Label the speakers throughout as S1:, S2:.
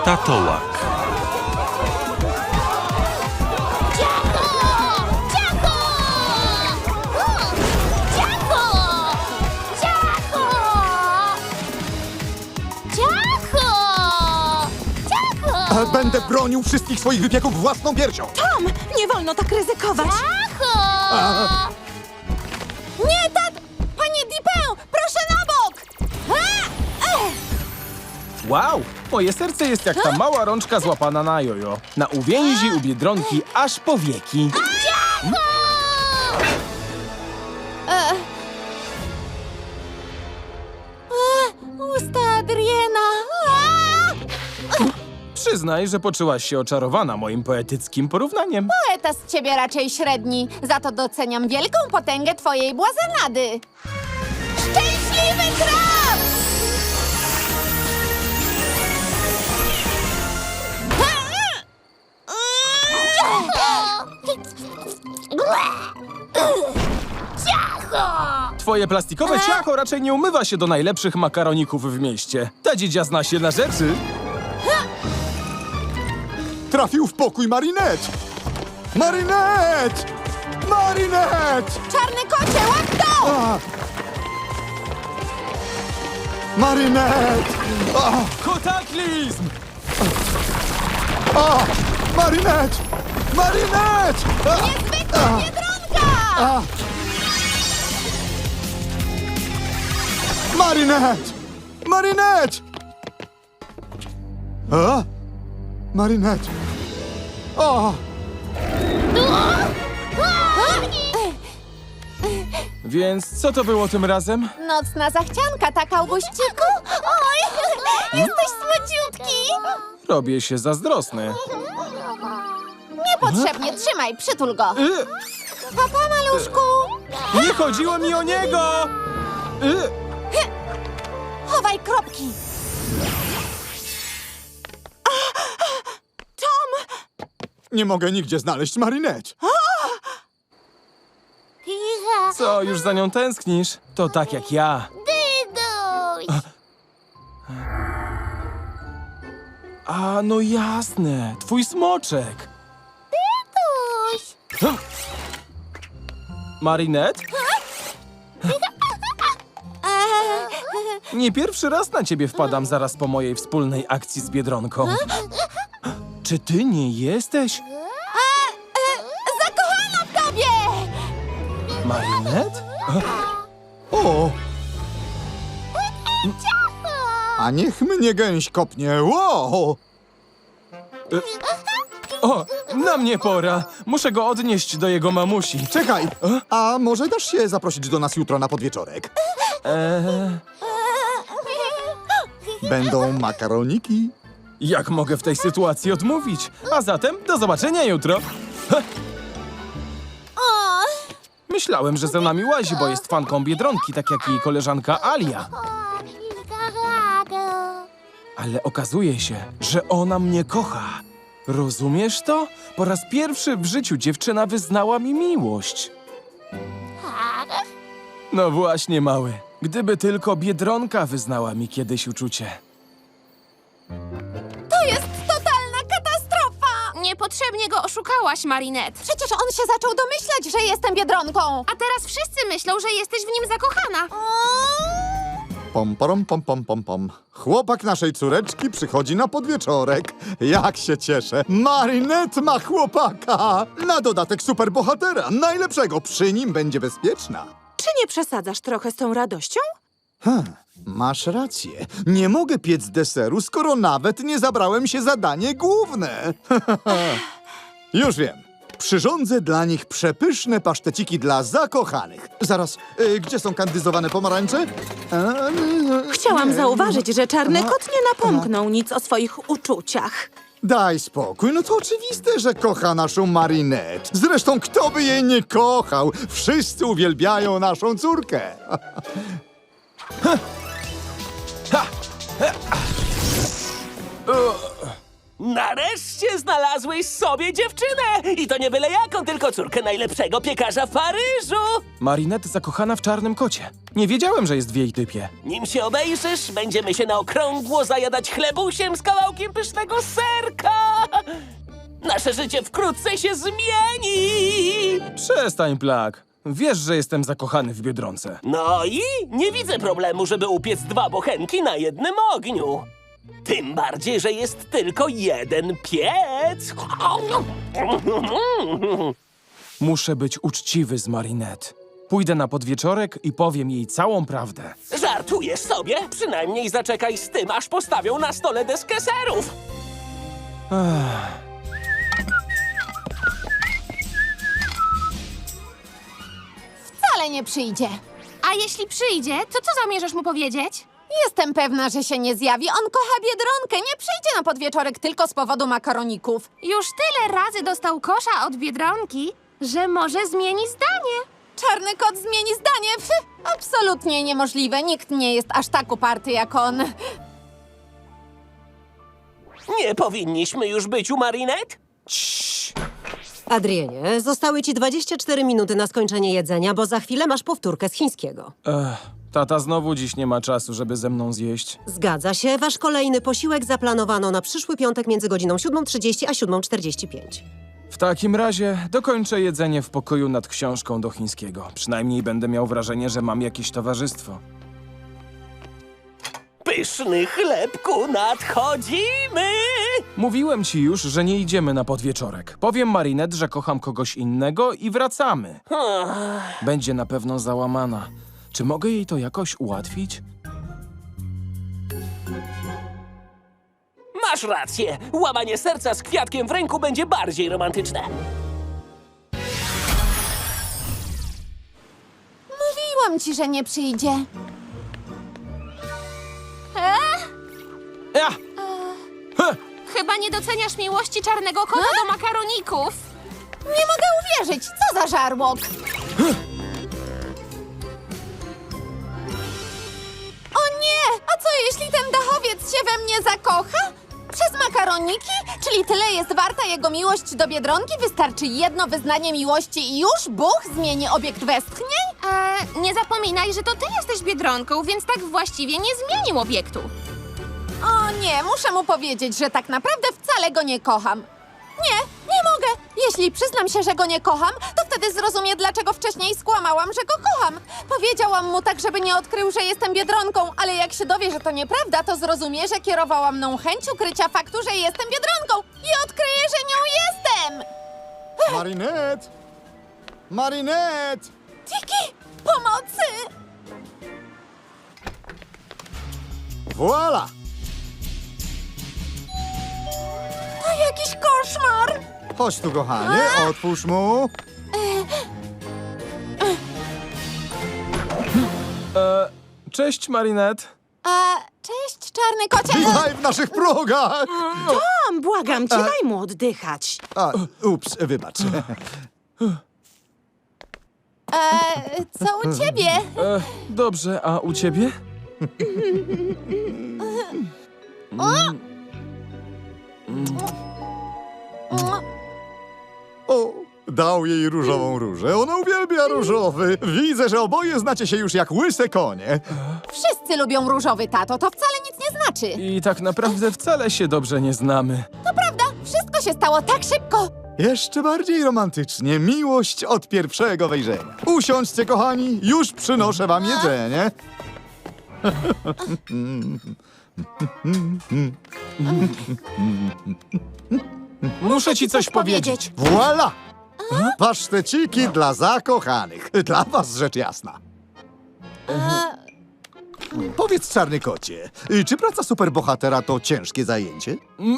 S1: Tatołak.
S2: Ciacho! Ciacho! Ciacho! Ciacho! Ciacho! Ciacho!
S3: Będę bronił wszystkich swoich wypieków własną piersią.
S4: Tom, nie wolno tak ryzykować.
S2: Ciacho! Nie, Panie Dipę, proszę na bok!
S5: Wow! Moje serce jest jak ta mała rączka złapana na jojo. Na uwięzi u Biedronki aż po wieki.
S2: Usta Adriena!
S5: Przyznaj, że poczułaś się oczarowana moim poetyckim porównaniem.
S2: Poeta z ciebie raczej średni, za to doceniam wielką potęgę twojej błazenady. Szczęśliwy traf! Ciacho!
S5: Twoje plastikowe ciacho raczej nie umywa się do najlepszych makaroników w mieście. Ta dziedzia zna się na rzeczy.
S3: Trafił w pokój Marinette! Marinette! Marinette!
S2: Czarny kocie, łap to!
S3: A! Marinette! A!
S5: Kotaklizm!
S3: A! Marinette! Marinette! A!
S2: Niezwykła biedronka!
S3: A! Marinette! Marinette! A? Marinette! O!
S5: Więc co to było tym razem?
S2: Nocna zachcianka, tak, Auguściku? Oj, jesteś słodziutki!
S5: Robię się zazdrosny.
S2: Niepotrzebnie, trzymaj, przytul go. Papa, maluszku!
S5: Nie chodziło mi o niego!
S2: Chowaj kropki.
S3: Nie mogę nigdzie znaleźć Marinette.
S5: Co, już za nią tęsknisz? To tak jak ja.
S2: Dyduś!
S5: A, no jasne, twój smoczek.
S2: Dyduś!
S5: Marinette? Nie pierwszy raz na ciebie wpadam zaraz po mojej wspólnej akcji z Biedronką. Czy ty nie jesteś
S2: Zakochana w tobie!
S5: Marinette?
S3: O! A niech mnie gęś kopnie. Wow!
S5: O, na mnie pora. Muszę go odnieść do jego mamusi.
S3: Czekaj! A może dasz się zaprosić do nas jutro na podwieczorek? Będą makaroniki.
S5: Jak mogę w tej sytuacji odmówić? A zatem do zobaczenia jutro. Myślałem, że za nami łazi, bo jest fanką Biedronki, tak jak jej koleżanka Alia. Ale okazuje się, że ona mnie kocha. Rozumiesz to? Po raz pierwszy w życiu dziewczyna wyznała mi miłość. No właśnie, mały. Gdyby tylko Biedronka wyznała mi kiedyś uczucie.
S2: To jest totalna katastrofa!
S6: Niepotrzebnie go oszukałaś, Marinette.
S2: Przecież on się zaczął domyślać, że jestem Biedronką.
S6: A teraz wszyscy myślą, że jesteś w nim zakochana.
S3: Pom, porom, pom, pom, pom, pom. Chłopak naszej córeczki przychodzi na podwieczorek. Jak się cieszę. Marinette ma chłopaka. Na dodatek superbohatera. Najlepszego. Przy nim będzie bezpieczna.
S4: Czy nie przesadzasz trochę z tą radością?
S3: Masz rację. Nie mogę piec deseru, skoro nawet nie zabrałem się za danie główne. Już wiem. Przyrządzę dla nich przepyszne paszteciki dla zakochanych. Zaraz, gdzie są kandyzowane pomarańcze?
S4: Chciałam
S3: Nie.
S4: zauważyć, że czarny kot nie napomknął nic o swoich uczuciach.
S3: Daj spokój, no to oczywiste, że kocha naszą Marinette. Zresztą kto by jej nie kochał? Wszyscy uwielbiają naszą córkę.
S1: Na Nareszcie znalazłeś sobie dziewczynę! I to nie byle jaką, tylko córkę najlepszego piekarza w Paryżu!
S5: Marinette zakochana w czarnym kocie. Nie wiedziałem, że jest w jej typie.
S1: Nim się obejrzysz, będziemy się na okrągło zajadać chlebusiem z kawałkiem pysznego serka! Nasze życie wkrótce się zmieni!
S5: Przestań, Plak. Wiesz, że jestem zakochany w Biedronce.
S1: No i nie widzę problemu, żeby upiec 2 bochenki na jednym ogniu. Tym bardziej, że jest tylko jeden piec.
S5: Muszę być uczciwy z Marinette. Pójdę na podwieczorek i powiem jej całą prawdę.
S1: Żartujesz sobie? Przynajmniej zaczekaj z tym, aż postawią na stole deskę serów.
S2: Wcale nie przyjdzie.
S6: A jeśli przyjdzie, to co zamierzasz mu powiedzieć?
S2: Jestem pewna, że się nie zjawi. On kocha Biedronkę. Nie przyjdzie na podwieczorek tylko z powodu makaroników.
S6: Już tyle razy dostał kosza od Biedronki, że może zmieni zdanie.
S2: Czarny kot zmieni zdanie. Absolutnie niemożliwe. Nikt nie jest aż tak uparty jak on.
S1: Nie powinniśmy już być u Marinette?
S7: Adrienie, zostały ci 24 minuty na skończenie jedzenia, bo za chwilę masz powtórkę z chińskiego.
S5: Tata znowu dziś nie ma czasu, żeby ze mną zjeść.
S7: Zgadza się, wasz kolejny posiłek zaplanowano na przyszły piątek między godziną 7:30 a 7:45.
S5: W takim razie dokończę jedzenie w pokoju nad książką do chińskiego. Przynajmniej będę miał wrażenie, że mam jakieś towarzystwo.
S1: Pyszny chlebku, nadchodzimy!
S5: Mówiłem ci już, że nie idziemy na podwieczorek. Powiem Marinette, że kocham kogoś innego i wracamy. Będzie na pewno załamana. Czy mogę jej to jakoś ułatwić?
S1: Masz rację. Łamanie serca z kwiatkiem w ręku będzie bardziej romantyczne.
S2: Mówiłam ci, że nie przyjdzie.
S5: Ja!
S6: Chyba nie doceniasz miłości czarnego kota do makaroników.
S2: Nie mogę uwierzyć. Co za żarłok. O nie! A co jeśli ten dachowiec się we mnie zakocha? Przez makaroniki? Czyli tyle jest warta jego miłość do Biedronki? Wystarczy jedno wyznanie miłości i już Bóg zmieni obiekt westchnień?
S6: Nie zapominaj, że to ty jesteś Biedronką, więc tak właściwie nie zmienił obiektu.
S2: O nie, muszę mu powiedzieć, że tak naprawdę wcale go nie kocham. Nie mogę. Jeśli przyznam się, że go nie kocham, to wtedy zrozumie, dlaczego wcześniej skłamałam, że go kocham. Powiedziałam mu tak, żeby nie odkrył, że jestem Biedronką, ale jak się dowie, że to nieprawda, to zrozumie, że kierowała mną chęć ukrycia faktu, że jestem Biedronką i odkryje, że nią jestem.
S3: Marinette! Marinette!
S2: Tiki, pomocy!
S3: Voila!
S2: To jakiś koszmar.
S3: Chodź tu, kochanie, otwórz mu.
S5: Cześć, Marinette.
S2: Cześć, czarny kocie.
S3: Witaj w naszych progach!
S4: Błagam cię, daj mu oddychać.
S3: Ups, wybacz.
S2: Co u ciebie?
S5: Dobrze, a u ciebie?
S3: O, dał jej różową różę. Ona uwielbia różowy. Widzę, że oboje znacie się już jak łyse konie.
S2: Wszyscy lubią różowy, tato. To wcale nic nie znaczy.
S5: I tak naprawdę wcale się dobrze nie znamy.
S2: To prawda, wszystko się stało tak szybko.
S3: Jeszcze bardziej romantycznie. Miłość od pierwszego wejrzenia. Usiądźcie, kochani. Już przynoszę wam jedzenie.
S5: Muszę ci coś powiedzieć.
S3: Voila! Paszteciki dla zakochanych. Dla was rzecz jasna. Powiedz, czarny kocie, czy praca superbohatera to ciężkie zajęcie?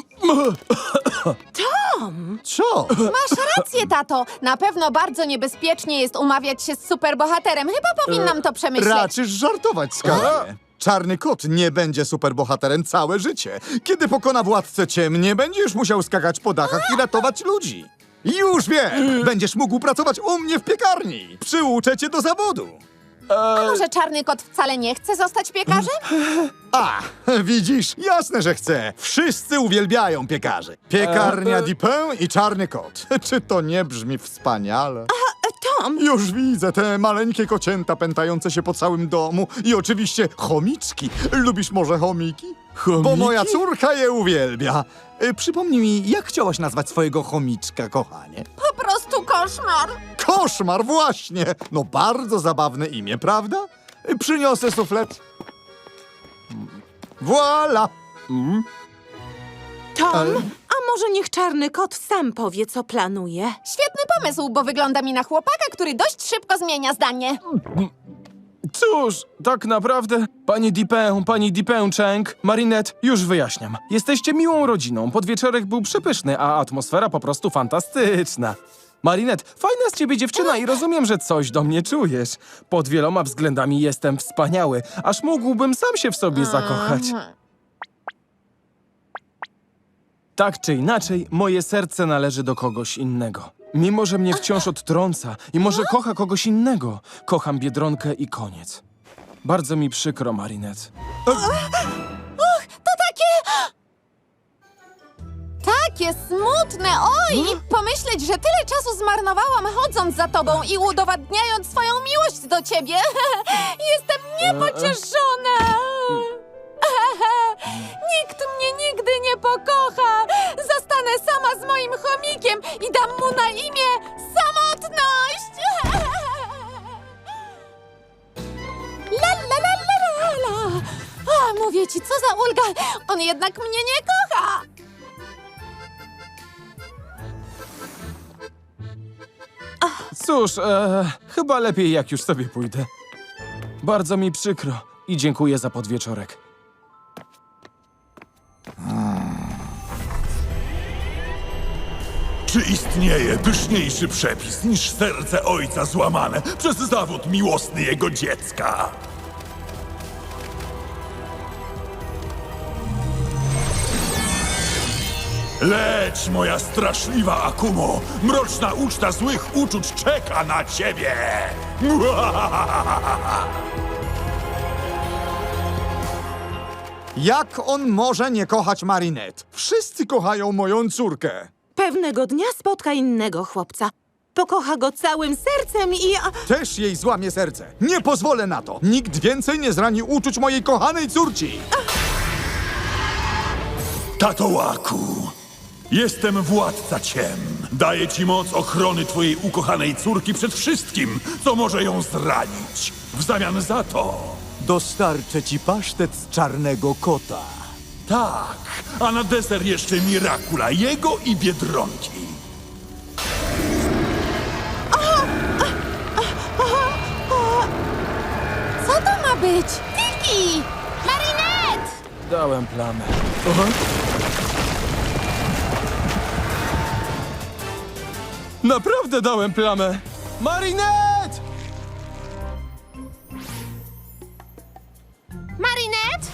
S3: Tom! Co?
S2: Masz rację, tato. Na pewno bardzo niebezpiecznie jest umawiać się z superbohaterem. Chyba powinnam to przemyśleć.
S3: Raczysz żartować, skarbie. Czarny kot nie będzie superbohaterem całe życie. Kiedy pokona władcę ciem, nie będziesz musiał skakać po dachach i ratować ludzi. Już wiem! Będziesz mógł pracować u mnie w piekarni. Przyuczę cię do zawodu.
S2: A może czarny kot wcale nie chce zostać piekarzem?
S3: A, widzisz? Jasne, że chcę. Wszyscy uwielbiają piekarzy. Piekarnia Dipin i czarny kot. Czy to nie brzmi wspaniale?
S4: Tom,
S3: Już widzę te maleńkie kocięta pętające się po całym domu i oczywiście chomiczki. Lubisz może chomiki?
S5: Chomiki?
S3: Bo moja córka je uwielbia. Przypomnij mi, jak chciałaś nazwać swojego chomiczka, kochanie?
S2: Po prostu koszmar.
S3: Koszmar, właśnie! No bardzo zabawne imię, prawda? Przyniosę suflet. Voila!
S4: Tom, a może niech czarny kot sam powie, co planuje?
S2: Świetny pomysł, bo wygląda mi na chłopaka, który dość szybko zmienia zdanie.
S5: Cóż, tak naprawdę, pani Dipin Cheng, Marinette, już wyjaśniam. Jesteście miłą rodziną, podwieczorek był przepyszny, a atmosfera po prostu fantastyczna. Marinette, fajna z ciebie dziewczyna i rozumiem, że coś do mnie czujesz. Pod wieloma względami jestem wspaniały, aż mógłbym sam się w sobie zakochać. Tak czy inaczej, moje serce należy do kogoś innego. Mimo że mnie wciąż odtrąca i może kocha kogoś innego, kocham Biedronkę i koniec. Bardzo mi przykro, Marinette.
S2: Takie smutne, oj! I pomyśleć, że tyle czasu zmarnowałam chodząc za tobą i udowadniając swoją miłość do ciebie. Jestem niepocieszona. Nikt mnie nigdy nie pokocha. Zostanę sama z moim chomikiem i dam mu na imię Samotność. La la la la la la. A, mówię ci, co za ulga. On jednak mnie nie kocha.
S5: Cóż, chyba lepiej jak już sobie pójdę. Bardzo mi przykro i dziękuję za podwieczorek.
S8: Czy istnieje pyszniejszy przepis niż serce ojca złamane przez zawód miłosny jego dziecka? Leć, moja straszliwa Akumo! Mroczna uczta złych uczuć czeka na ciebie!
S3: Jak on może nie kochać Marinette? Wszyscy kochają moją córkę.
S4: Pewnego dnia spotka innego chłopca. Pokocha go całym sercem i...
S3: Też jej złamie serce. Nie pozwolę na to. Nikt więcej nie zrani uczuć mojej kochanej córci.
S8: Tatołaku, jestem władca ciem. Daję ci moc ochrony twojej ukochanej córki przed wszystkim, co może ją zranić. W zamian za to...
S3: Dostarczę ci pasztet z czarnego kota.
S8: Tak, a na deser jeszcze Mirakula, jego i Biedronki.
S2: Co to ma być? Tiki!
S6: Marinette!
S5: Dałem plamę. Naprawdę dałem plamę! Marinette!
S6: Marinette?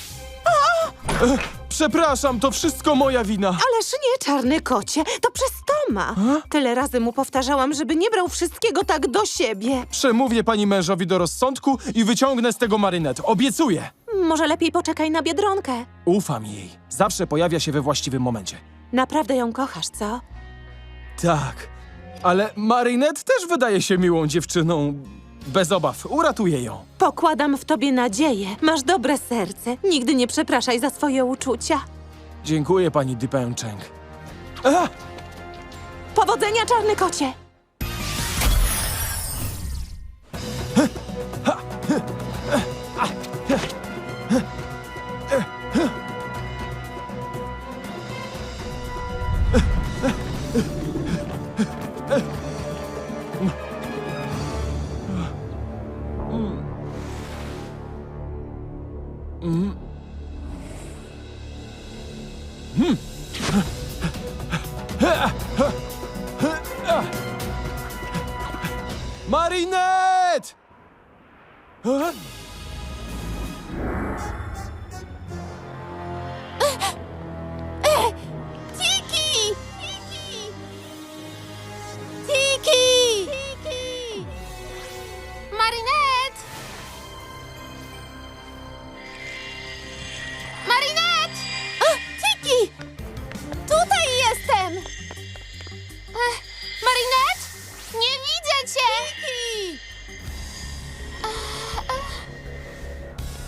S5: Przepraszam, to wszystko moja wina.
S4: Ależ nie, czarny kocie, to przez Toma. Tyle razy mu powtarzałam, żeby nie brał wszystkiego tak do siebie.
S5: Przemówię pani mężowi do rozsądku i wyciągnę z tego Marinette. Obiecuję.
S4: Może lepiej poczekaj na Biedronkę.
S5: Ufam jej. Zawsze pojawia się we właściwym momencie.
S4: Naprawdę ją kochasz, co?
S5: Tak, ale Marinette też wydaje się miłą dziewczyną. Bez obaw, uratuję ją.
S4: Pokładam w tobie nadzieję. Masz dobre serce. Nigdy nie przepraszaj za swoje uczucia.
S5: Dziękuję, pani Dipin Cheng.
S4: Powodzenia, czarny kocie!
S5: Marinette!
S2: Tiki! Tiki!
S6: Marinette!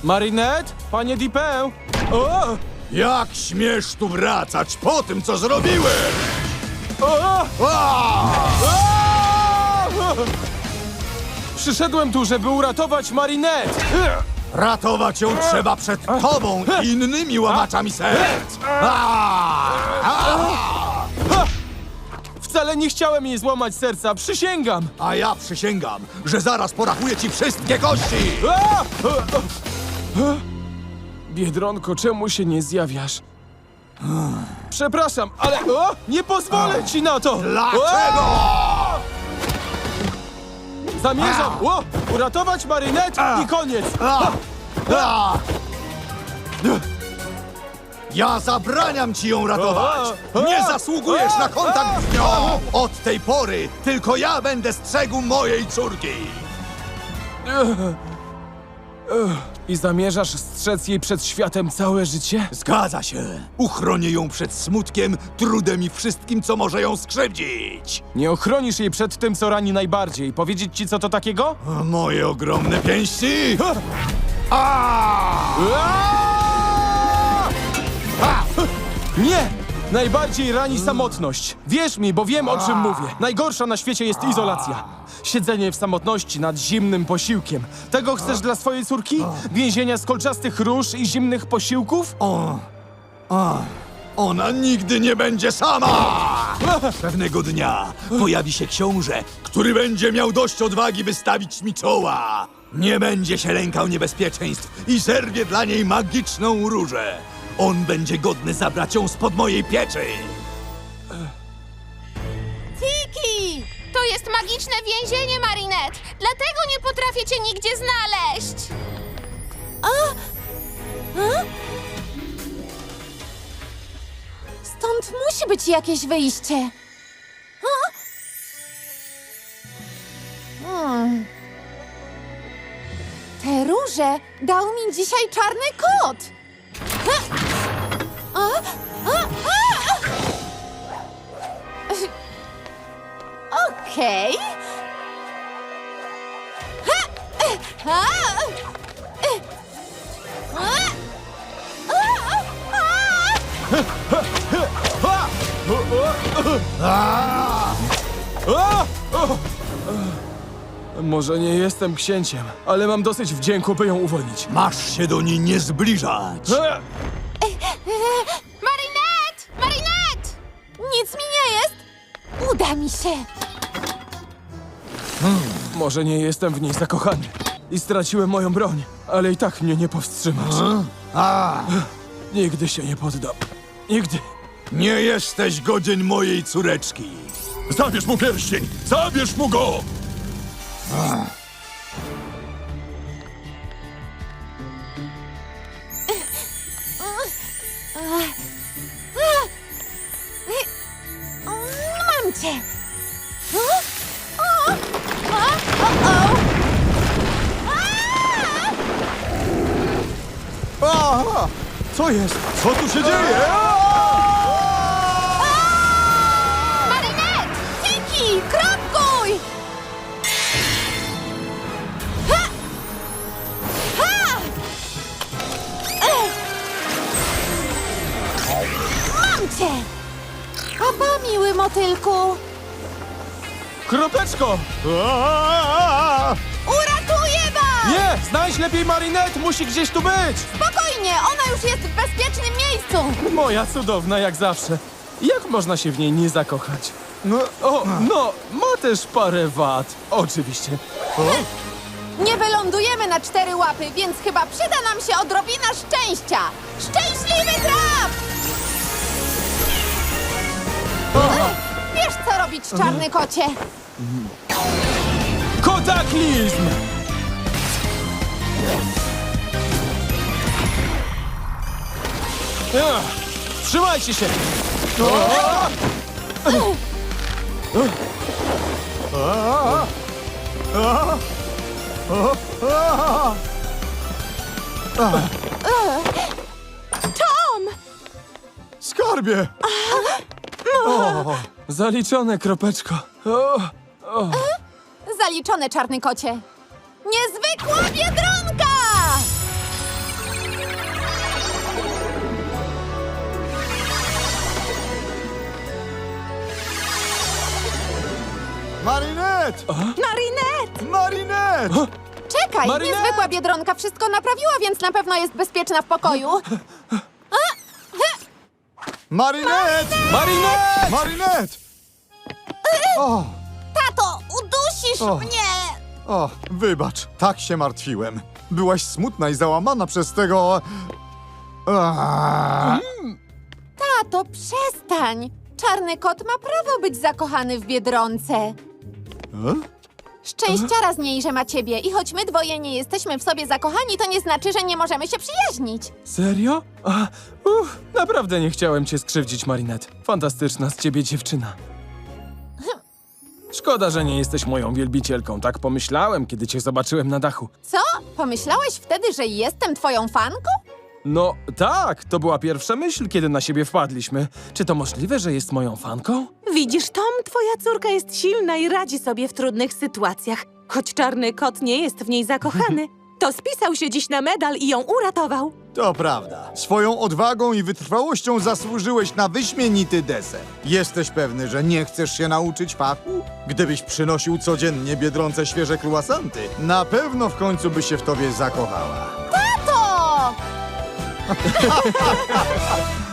S5: Marinette? Panie Dipę? O!
S3: Jak śmiesz tu wracać po tym, co zrobiłem?
S5: O!
S3: A!
S5: Przyszedłem tu, żeby uratować Marinette!
S3: Ratować ją trzeba przed tobą i innymi łamaczami serc!
S5: Wcale nie chciałem jej złamać serca, przysięgam!
S3: A ja przysięgam, że zaraz porachuję ci wszystkie kości!
S5: A! Biedronko, czemu się nie zjawiasz? Przepraszam, ale nie pozwolę ci na to!
S3: Dlaczego?
S5: Zamierzam uratować Marinette i koniec!
S3: A! Ja zabraniam ci ją ratować! Nie zasługujesz na kontakt z nią! Od tej pory tylko ja będę strzegł mojej córki!
S5: I zamierzasz strzec jej przed światem całe życie?
S3: Zgadza się! Uchronię ją przed smutkiem, trudem i wszystkim, co może ją skrzywdzić!
S5: Nie ochronisz jej przed tym, co rani najbardziej. Powiedzieć ci, co to takiego?
S3: Moje ogromne pięści!
S5: Nie! Najbardziej rani samotność. Wierz mi, bo wiem, o czym mówię. Najgorsza na świecie jest izolacja. Siedzenie w samotności nad zimnym posiłkiem. Tego chcesz dla swojej córki? Więzienia z kolczastych róż i zimnych posiłków?
S3: Ona nigdy nie będzie sama! Pewnego dnia pojawi się książę, który będzie miał dość odwagi, by stawić mi czoła. Nie będzie się lękał niebezpieczeństw i zerwie dla niej magiczną różę. On będzie godny zabrać ją spod mojej pieczy.
S6: Tiki! To jest magiczne więzienie, Marinette! Dlatego nie potrafię cię nigdzie znaleźć!
S2: Stąd musi być jakieś wyjście. Te róże dał mi dzisiaj czarny kot. Okej.
S5: Może nie jestem księciem, ale mam dosyć wdzięku, by ją uwolnić.
S3: Masz się do niej nie zbliżać.
S6: Marinette! Marinette!
S2: Nic mi nie jest. Uda mi się.
S5: Może nie jestem w niej zakochany i straciłem moją broń, ale i tak mnie nie powstrzymasz. Nigdy się nie poddam. Nigdy.
S3: Nie jesteś godzien mojej córeczki.
S8: Zabierz mu pierścień! Zabierz mu go!
S2: Mam cię.
S3: Co jest? Co tu się dzieje?
S2: Marinette! Tiki! Kropkuj! Mam cię! Papa, miły motylku!
S5: Kropeczko!
S2: Uratuję was!
S5: Nie! Znajdź lepiej Marinette! Musi gdzieś tu być!
S2: Spokojnie, ona już jest w bezpiecznym miejscu!
S5: Moja cudowna, jak zawsze. Jak można się w niej nie zakochać? No, ma też parę wad. Oczywiście.
S2: Nie wylądujemy na 4 łapy, więc chyba przyda nam się odrobina szczęścia! Szczęśliwy traf! Wiesz, co robić, czarny kocie?
S5: Kotaklizm! Trzymajcie się!
S2: Tom!
S3: Skarbie!
S5: Zaliczone, Kropeczko.
S2: Zaliczone, czarny kocie. Niezwykła biedronka!
S3: Marinette!
S4: Marinette!
S3: Marinette!
S2: Czekaj,
S5: Marinette!
S2: niezwykła Biedronka wszystko naprawiła, więc na pewno jest bezpieczna w pokoju.
S3: Marinette!
S5: Marinette!
S3: Marinette! O,
S2: Tato, udusisz
S3: O.
S2: mnie!
S3: o, wybacz, tak się martwiłem. Byłaś smutna i załamana przez tego...
S2: Tato, przestań! Czarny kot ma prawo być zakochany w Biedronce. Szczęściara z niej, że ma ciebie. I choć my dwoje nie jesteśmy w sobie zakochani, to nie znaczy, że nie możemy się przyjaźnić.
S5: Serio? Naprawdę nie chciałem cię skrzywdzić, Marinette. Fantastyczna z ciebie dziewczyna. Szkoda, że nie jesteś moją wielbicielką. Tak pomyślałem, kiedy cię zobaczyłem na dachu.
S2: Co? Pomyślałeś wtedy, że jestem twoją fanką?
S5: No tak, to była pierwsza myśl, kiedy na siebie wpadliśmy. Czy to możliwe, że jest moją fanką?
S4: Widzisz, Tom, twoja córka jest silna i radzi sobie w trudnych sytuacjach. Choć czarny kot nie jest w niej zakochany, to spisał się dziś na medal i ją uratował.
S3: To prawda. Swoją odwagą i wytrwałością zasłużyłeś na wyśmienity deser. Jesteś pewny, że nie chcesz się nauczyć fachu? Gdybyś przynosił codziennie Biedronce świeże kruasanty, na pewno w końcu by się w tobie zakochała.
S2: To!